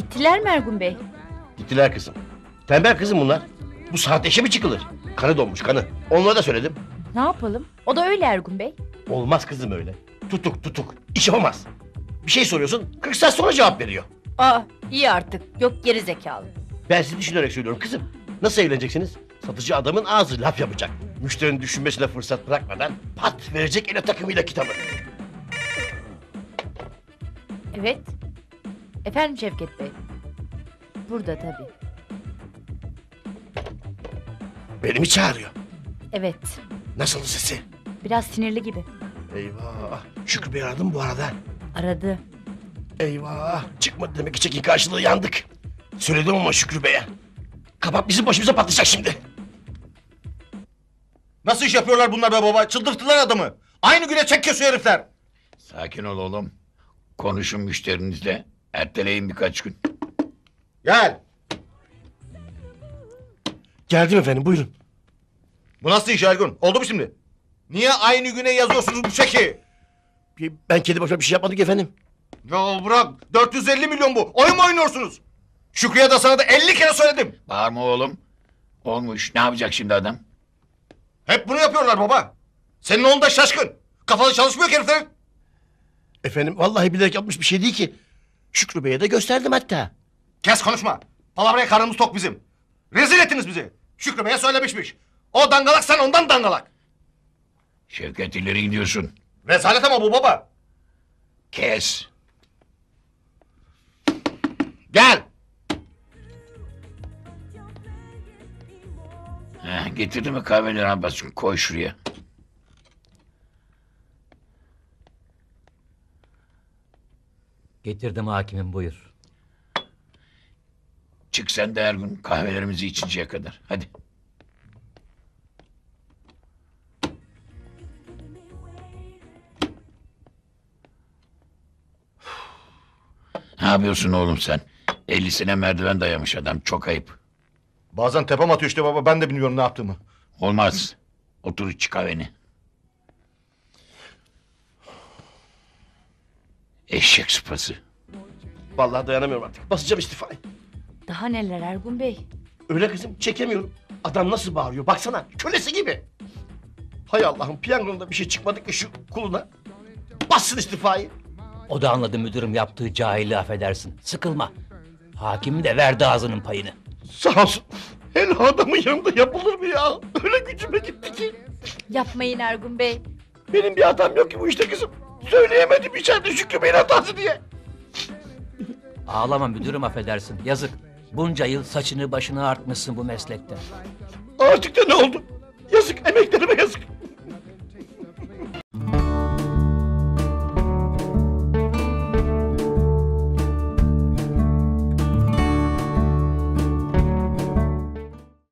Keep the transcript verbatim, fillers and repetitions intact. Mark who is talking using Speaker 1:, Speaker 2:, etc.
Speaker 1: Gittiler mi Ergun Bey?
Speaker 2: Gittiler kızım. Tembel kızım bunlar. Bu saatte işe mi çıkılır? Kanı donmuş kanı. Onlara da söyledim.
Speaker 1: Ne yapalım? O da öyle Ergun Bey.
Speaker 2: Olmaz kızım öyle. Tutuk tutuk. İş yapamaz. Bir şey soruyorsun kırk saat sonra cevap veriyor.
Speaker 1: Aa, iyi artık. Yok geri zekalı.
Speaker 2: Ben sizi düşünerek söylüyorum kızım. Nasıl evleneceksiniz? Satıcı adamın ağzı laf yapacak. Müşterinin düşünmesine fırsat bırakmadan pat verecek ele takımıyla kitabı.
Speaker 1: Evet. Efendim Şevket Bey. Burada tabii.
Speaker 2: Beni mi çağırıyor?
Speaker 1: Evet.
Speaker 2: Nasıl sesi?
Speaker 1: Biraz sinirli gibi.
Speaker 2: Eyvah. Şükrü Bey aradı mı bu arada?
Speaker 1: Aradı.
Speaker 2: Eyvah. Çıkmadı demek ki çekin karşılığı yandık. Söyledim ama Şükrü Bey'e. Kabak bizim başımıza patlayacak şimdi.
Speaker 3: Nasıl iş yapıyorlar bunlar be baba? Çıldırttılar adamı. Aynı güne çek kesiyor herifler.
Speaker 4: Sakin ol oğlum. Konuşun müşterinizle. Erteleyin birkaç gün.
Speaker 3: Gel.
Speaker 2: Geldim efendim buyurun.
Speaker 3: Bu nasıl iş Ergun? Oldu mu şimdi? Niye aynı güne yazıyorsunuz bu çeki?
Speaker 2: Ben kendi başıma bir şey yapmadık efendim.
Speaker 3: Ya bırak. dört yüz elli milyon bu. Oyun mu oynuyorsunuz? Şükrü'ye de sana da elli kere söyledim.
Speaker 4: Bağırma oğlum. Olmuş. Ne yapacak şimdi adam?
Speaker 3: Hep bunu yapıyorlar baba. Senin oğlun da şaşkın. Kafalı çalışmıyor ki heriflerin.
Speaker 2: Efendim vallahi bilerek yapmış bir şey değil ki. Şükrü Bey'e de gösterdim hatta.
Speaker 3: Kes konuşma. Palavraya karnımız tok bizim. Rezil ettiniz bizi. Şükrü Bey'e söylemişmiş. O dangalak, sen ondan dangalak.
Speaker 4: Şevket ileri gidiyorsun.
Speaker 3: Rezalet ama bu baba.
Speaker 4: Kes.
Speaker 3: Gel.
Speaker 4: Heh, getirdi mi kahveleri Abbas? Koy şuraya.
Speaker 5: Getirdim hakimim buyur.
Speaker 4: Çık sen de her gün kahvelerimizi içinceye kadar. Hadi. Ne yapıyorsun oğlum sen? Ellisine merdiven dayamış adam. Çok ayıp.
Speaker 3: Bazen tepem atıyor işte baba. Ben de bilmiyorum ne yaptığımı.
Speaker 4: Olmaz. Otur iç kahveni. Eşek sıpası.
Speaker 2: Vallahi dayanamıyorum artık. Basacağım istifayı.
Speaker 1: Daha neler Ergun Bey?
Speaker 2: Öyle kızım çekemiyorum. Adam nasıl bağırıyor baksana kölesi gibi. Hay Allah'ım piyangonda bir şey çıkmadı ki şu kuluna. Bassın istifayı.
Speaker 5: O da anladı müdürüm yaptığı cahilliği affedersin. Sıkılma. Hakim de verdi ağzının payını.
Speaker 2: Sağ olsun. Hele adamın yanında yapılır mı ya? Öyle gücüme gitti ki.
Speaker 1: Yapmayın Ergun Bey.
Speaker 2: Benim bir hatam yok ki bu işte kızım. Söyleyemedim içeride Şükrü Bey'in hatası diye.
Speaker 5: Ağlama müdürüm affedersin. Yazık. Bunca yıl saçını başını artmışsın bu meslekte.
Speaker 2: Artık da ne oldu? Yazık emeklerime yazık.